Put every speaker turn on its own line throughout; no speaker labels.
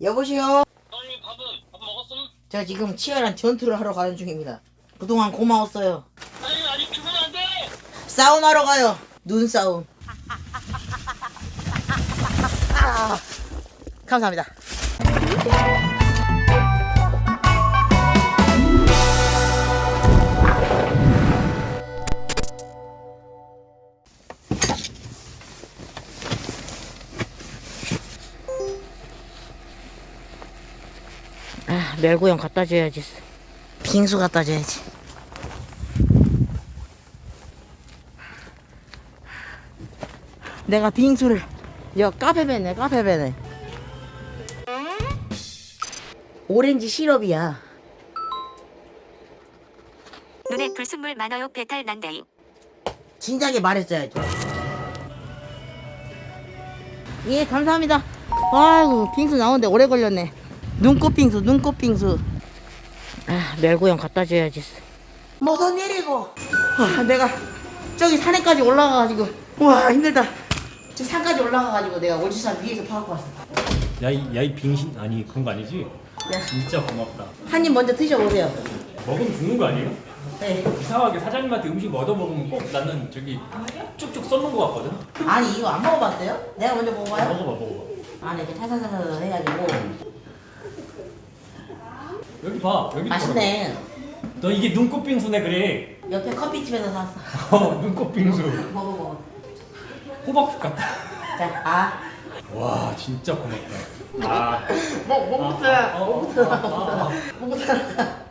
여보세요?
아니 밥 먹었음?
제가 지금 치열한 전투를 하러 가는 중입니다. 그동안 고마웠어요.
아니 아직 주문 안 돼!
싸움하러 가요. 눈싸움. 아, 감사합니다. 아, 멸구형 갖다 줘야지. 빙수 갖다 줘야지. 내가 빙수를 카페베네. 오렌지 시럽이야.
눈에 불순물 많아요. 배탈 난다잉.
진작에 말했어야죠. 예, 감사합니다. 아이고, 빙수 나오는데 오래 걸렸네. 눈꽃 빙수. 아, 멸구형 갖다 줘야지. 무슨 일이고? 내가 저기 산에까지 올라가가지고, 와, 힘들다. 저 산까지 올라가가지고 내가 오지산 위에서 파갖고 왔어.
야이 빙신 아니 그런 거 아니지?
야,
진짜 고맙다.
한 입 먼저 드셔보세요.
먹으면 죽는 거 아니에요?
네.
이상하게 사장님한테 음식 얻어 먹으면 꼭 나는 저기 쭉쭉 썰는 거 같거든?
아니, 이거 안 먹어봤어요? 내가 먼저 먹어봐요?
먹어봐.
안에 이렇게 타사사사 해가지고.
여기 봐 여기
맛있네.
너 이게 눈꽃 빙수네 그래.
옆에 커피집에서 샀어.
눈꽃 빙수.
먹어.
호박죽 같다.
자, 아.
와 진짜 고맙다.
먹부터.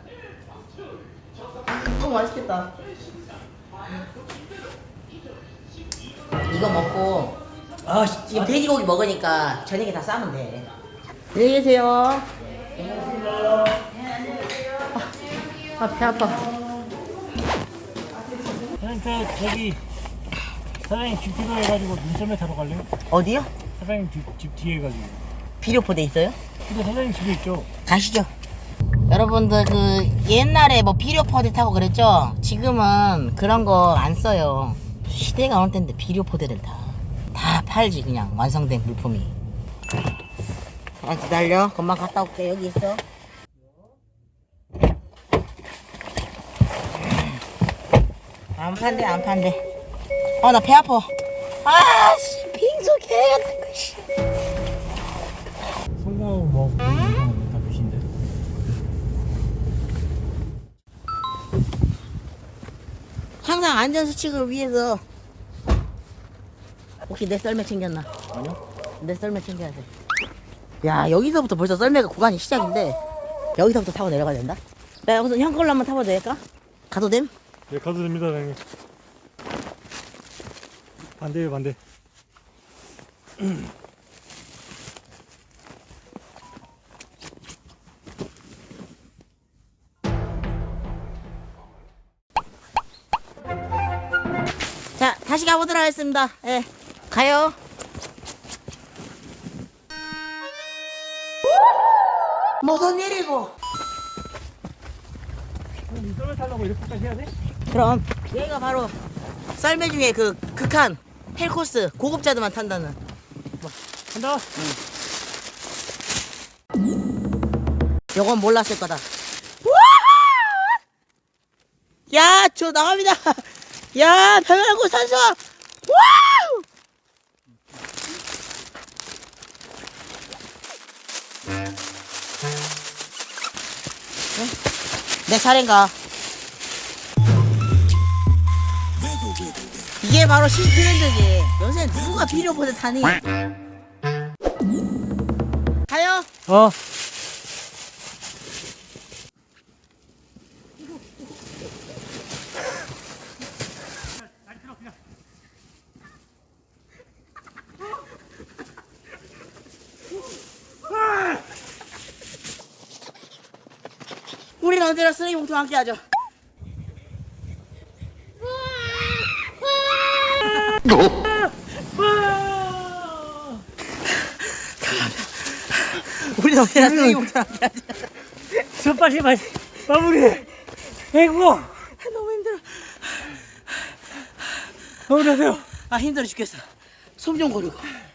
맛있겠다. 이거 먹고 지금 돼지고기 먹으니까 저녁에 다 싸면 돼. 안녕히 계세요. 아, 배 아파.
저기 사장님 집 뒤로 해가지고 눈썰매 타러 갈래요?
어디요?
사장님 집 뒤에 해가지고.
비료포대 있어요?
근데 사장님 집에 있죠?
가시죠. 여러분들 옛날에 비료포대 타고 그랬죠? 지금은 그런 거 안 써요. 시대가 어느 때인데 비료포대를 다 팔지. 그냥 완성된 물품이. 아, 기다려. 금방 갔다 올게. 여기 있어. 안 판대. 나 배 아파. 아씨, 빙수 개 같은 거, 씨.
성공하고 뭐 다 드신데?
항상 안전수칙을 위해서. 혹시 내 썰매 챙겼나? 아니요. 내 썰매 챙겨야 돼. 야, 여기서부터 벌써 썰매가 구간이 시작인데 여기서부터 타고 내려가야 된다? 나 여기서 형 걸로 한번 타봐도 될까? 가도 됨?
네, 가도 됩니다, 사장님. 반대.
자, 다시 가보도록 하겠습니다. 예, 가요. 무슨 일이고?
눈썰매 타려고 이렇게까지 해야 돼?
그럼 여기가 바로 썰매 중에 극한 헬코스, 고급자들만 탄다는.
간다.
요건 몰랐을 거다. 야, 저 나갑니다. 야, 평양구 산소. 와우! 내 차례인가? 이게 바로 신트렌드지. 요새 누가 비료포대 타니? 가요. 우리는 언제나 쓰레기 봉투와 함께 하죠. 우리는 언제나 쓰레기 봉투와 함께 하죠.
빨리 마무리해. 아이고.
너무 힘들어.
마무리하세요.
아, 힘들어 죽겠어. 숨 좀 고르고.